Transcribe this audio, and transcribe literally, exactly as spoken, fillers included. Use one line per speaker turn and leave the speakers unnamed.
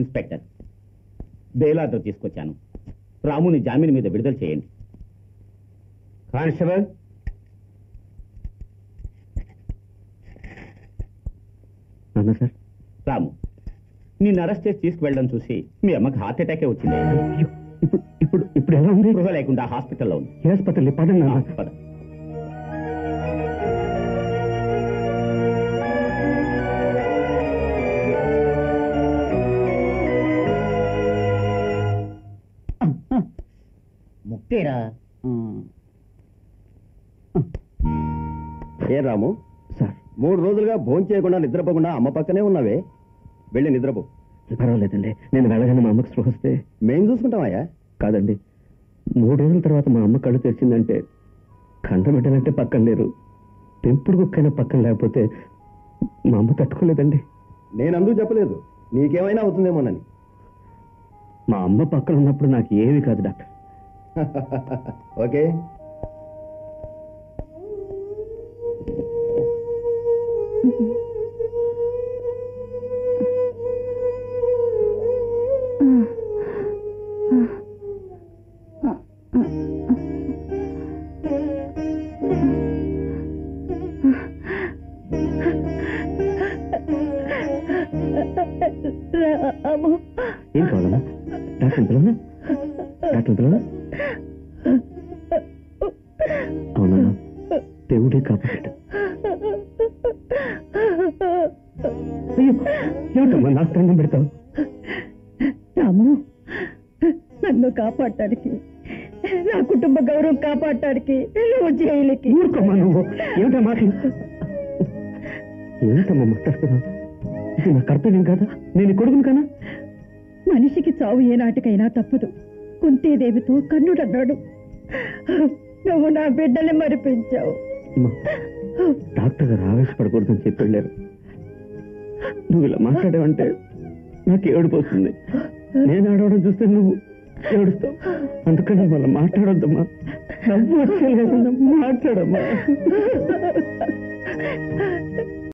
Inspector, bail order తీసుకొచ్చాను. రాముని జామీన్ మీద విడుదల చేయండి.
కానిస్టేబుల్,
అన్నా సార్. రాము, నిన్ను అరెస్ట్ చేసి తీసుకువెళ్ళడం చూసి మీ అమ్మకి హార్ట్ అటాకే వచ్చింది.
ఇప్పుడు ఇప్పుడు ఇప్పుడు ఎలా ఉంది?
గృహ లేకుండా హాస్పిటల్లో ఉంది.
హాస్పిటల్ పదండి.
పద.
ముక్తేరా.
ఏ రాము సార్, మూడు రోజులుగా భోజనం చేయకుండా నిద్రపోకుండా అమ్మ పక్కనే ఉన్నావే, వెళ్ళి నిద్రపో. పర్వాలేదండి, నేను వెళ్ళగానే మా అమ్మకి స్పృహ వస్తే మేం చూసుకుంటామయ్యా. కాదండి, మూడు రోజుల తర్వాత మా అమ్మ కళ్ళు తెరిచిందంటే కండబిడ్డలంటే పక్కన లేరు, పెంపుడు కుక్కైనా పక్కన లేకపోతే మా అమ్మ తట్టుకోలేదండి. నేను అందుకు చెప్పలేదు, నీకేమైనా అవుతుందేమోనని. మా అమ్మ పక్కన ఉన్నప్పుడు నాకు ఏమీ కాదు డాక్టర్. ఓకే. ఏం కావాలమ్మా? డాక్టర్ పిల్లనా? డాక్టర్ పిల్లనా? అవునా? దేవుడే కాపాడాడు. అయ్యో, ఏమిటమ్మా నాకు దండం పెడతావు?
రాము, నన్ను కాపాడటానికి, నా కుటుంబ గౌరవం కాపాడటానికి నువ్వు జైలుకి.
ఊరుకోమ్మా నువ్వు. ఏమిటా మాట? ఏమిటమ్మా మాట్లాడుతున్నావు? ఇది నా కర్తవ్యం కాదా? నేను కొడుకును కానా?
మనిషికి చావు ఏనాటికైనా తప్పదు. కుంతీదేవితో కన్నుడన్నాడు, నువ్వు నా బిడ్డని మరిపించావు.
డాక్టర్ గారు ఆవేశపడకూడదని చెప్పి వెళ్ళారు. నువ్వు ఇలా మాట్లాడావంటే నాకు ఏడుపోతుంది. నేను ఆడవడం చూస్తే నువ్వు ఏడుస్తావు. అందుకని మళ్ళీ మాట్లాడొద్దమ్మా. నవ్వు వచ్చేలేదమ్మా, మాట్లాడమ్మా.